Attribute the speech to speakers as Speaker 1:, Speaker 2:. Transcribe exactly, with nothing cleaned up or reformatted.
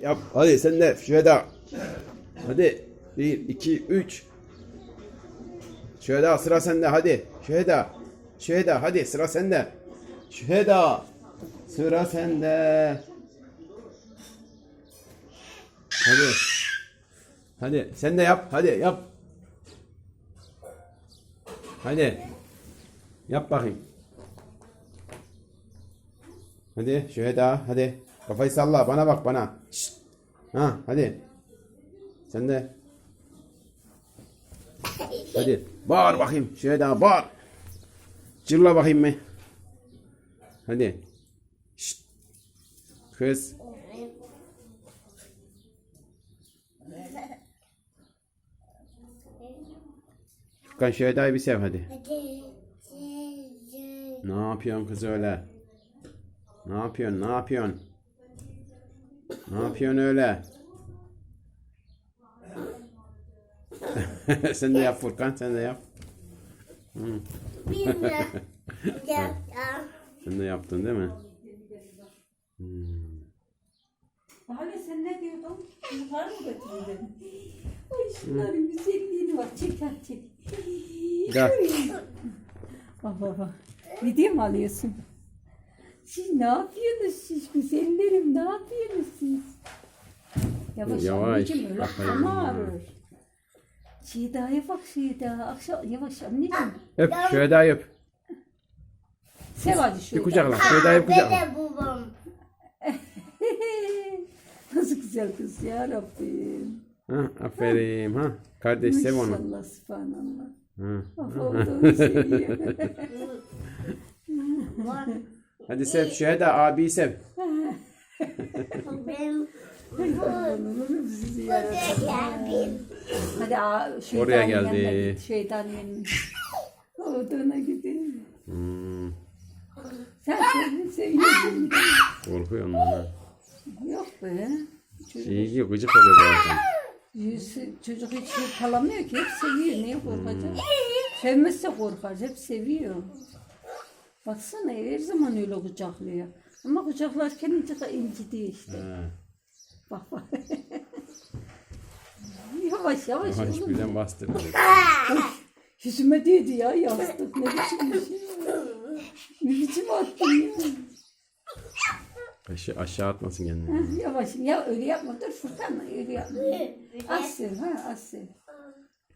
Speaker 1: yap. Hadi sen de Şüheda. Hadi. Bir, iki, üç. Şüheda sıra sende hadi. Şüheda. Şüheda hadi sıra sende. Şüheda. Sıra sende. Hadi. Hadi sen de yap. Hadi yap. Hadi. Yap bakayım. Hadi Şüheda hadi. Kafayı salla bana bak bana. Şşt. Ha hadi. Sen de. Hadi. Bağır bakayım. Şüheda bağır. Cırla bakayım mı? Hadi. Şşt. Kız. Furkan Şüheda'yı bir sev hadi. Ne yapıyorsun kız öyle? Ne yapıyorsun? Ne yapıyorsun? Ne yapıyorsun öyle? Sen de yap Furkan, sen de yap. Hı. Sen de yaptın değil mi? Hmm.
Speaker 2: Hala sen ne diyordun? Yukarı mı götürün dedim. Ay şunların güzelliğine bak. Çek lan çek.
Speaker 1: Gel.
Speaker 2: Bak bak bak. Video mu alıyorsun? Siz ne yapıyorsunuz siz güzellerim? Ne yapıyorsunuz siz? Yavaş
Speaker 1: Yavaş.
Speaker 2: anneciğim öyle
Speaker 1: Aferin.
Speaker 2: ama ağrır. Şida'ya bak Şida. Akşam yavaş anneciğim.
Speaker 1: Öp, Şüheda'yı öp.
Speaker 2: Sev hadi
Speaker 1: Bir
Speaker 2: Şida.
Speaker 1: kucakla, Şüheda'yı bir kucakla.
Speaker 3: Dede babam.
Speaker 2: Nasıl güzel kız ya Rabbim.
Speaker 1: Ha, aferin ha. Kardeş sev onu.
Speaker 2: Maşallah subhanallah.
Speaker 1: Ha.
Speaker 2: Bak olduğunu seviyor.
Speaker 1: Hadi sev Şüheda, abiyi sev.
Speaker 3: Benim
Speaker 2: Olurum sizi yarabbim. Hadi aa, şeytanın
Speaker 1: Oraya
Speaker 2: yanına
Speaker 1: geldi.
Speaker 2: git, şeytanın yanına. Olduğuna gidelim.
Speaker 1: Hmm,
Speaker 2: Sen seni seviyorsun.
Speaker 1: korkuyor ondan ha.
Speaker 2: Yok be. Çocuk,
Speaker 1: İyi ki gıcık oluyor bazen.
Speaker 2: yüzü- çocuk hiç şey kalamıyor ki. Hep seviyor. Niye korkacak? Sevmezse korkar. Hep seviyor. Baksana her zaman öyle kucaklıyor. Ama kucaklarken ince incitiyor işte.
Speaker 1: Ha.
Speaker 2: Bak bak. Yavaş yavaş.
Speaker 1: Ama
Speaker 2: oğlum.
Speaker 1: hiç birden bastırdı.
Speaker 2: Yüzüme değdi ya yastık. Ne biçim bir şey. Ne biçim attın ya.
Speaker 1: Aşağı, aşağı atmasın kendini.
Speaker 2: Ha, yavaş ya öyle yapma dur Furkan öyle yapma. Az sev ha az sev.